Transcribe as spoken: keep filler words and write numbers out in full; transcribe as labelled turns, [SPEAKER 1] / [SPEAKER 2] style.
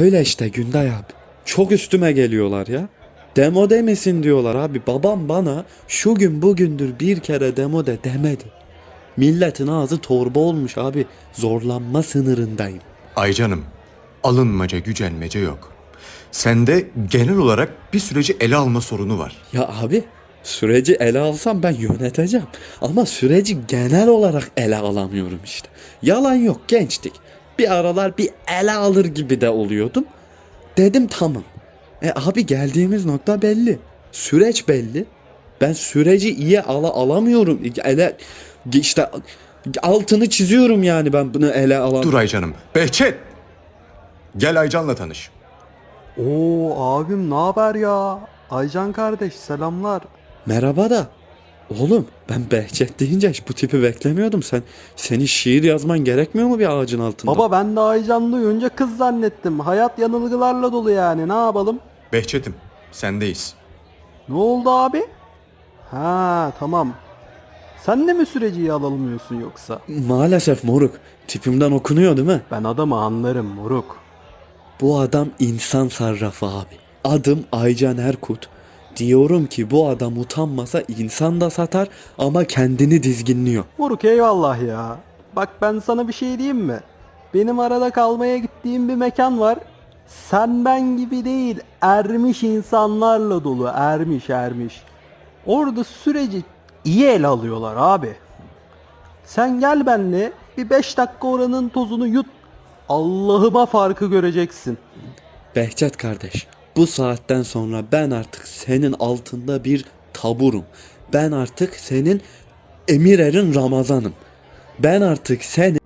[SPEAKER 1] Öyle işte Günday abi. Çok üstüme geliyorlar ya. Demo demesin diyorlar abi. Babam bana şu gün bugündür bir kere demo de demedi. Milletin ağzı torba olmuş abi. Zorlanma sınırındayım.
[SPEAKER 2] Ay canım, alınmaca gücenmece yok. Sende genel olarak bir süreci ele alma sorunu var.
[SPEAKER 1] Ya abi süreci ele alsam ben yöneteceğim. Ama süreci genel olarak ele alamıyorum işte. Yalan yok, gençtik. Bir aralar bir ele alır gibi de oluyordum. Dedim tamam. E abi geldiğimiz nokta belli. Süreç belli. Ben süreci iyi ala alamıyorum. Ele işte altını çiziyorum yani ben bunu ele alam.
[SPEAKER 2] Dur Aycan'ım. Behçet! Gel Aycan'la tanış.
[SPEAKER 3] Oo abim ne haber ya? Aycan kardeş selamlar.
[SPEAKER 1] Merhaba da. Oğlum ben Behçet deyince hiç bu tipi beklemiyordum. Sen senin şiir yazman gerekmiyor mu bir ağacın altında?
[SPEAKER 3] Baba ben de Aycan duyunca kız zannettim. Hayat yanılgılarla dolu yani ne yapalım?
[SPEAKER 2] Behçet'im, sendeyiz.
[SPEAKER 3] Ne oldu abi? Ha tamam. Sen de mi süreci iyi alamıyorsun yoksa?
[SPEAKER 1] Maalesef moruk. Tipimden okunuyor değil mi?
[SPEAKER 3] Ben adamı anlarım moruk.
[SPEAKER 1] Bu adam insan sarrafı abi. Adım Aycan Erkut. Diyorum ki bu adam utanmasa insan da satar ama kendini dizginliyor.
[SPEAKER 3] Moruk eyvallah ya. Bak ben sana bir şey diyeyim mi? Benim arada kalmaya gittiğim bir mekan var. Sen ben gibi değil, ermiş insanlarla dolu, ermiş ermiş. Orada süreci iyi ele alıyorlar abi. Sen gel benle bir beş dakika oranın tozunu yut. Allah'ıma farkı göreceksin.
[SPEAKER 1] Behçet kardeş, bu saatten sonra ben artık senin altında bir taburum. Ben artık senin Emir Erin Ramazan'ım. Ben artık senin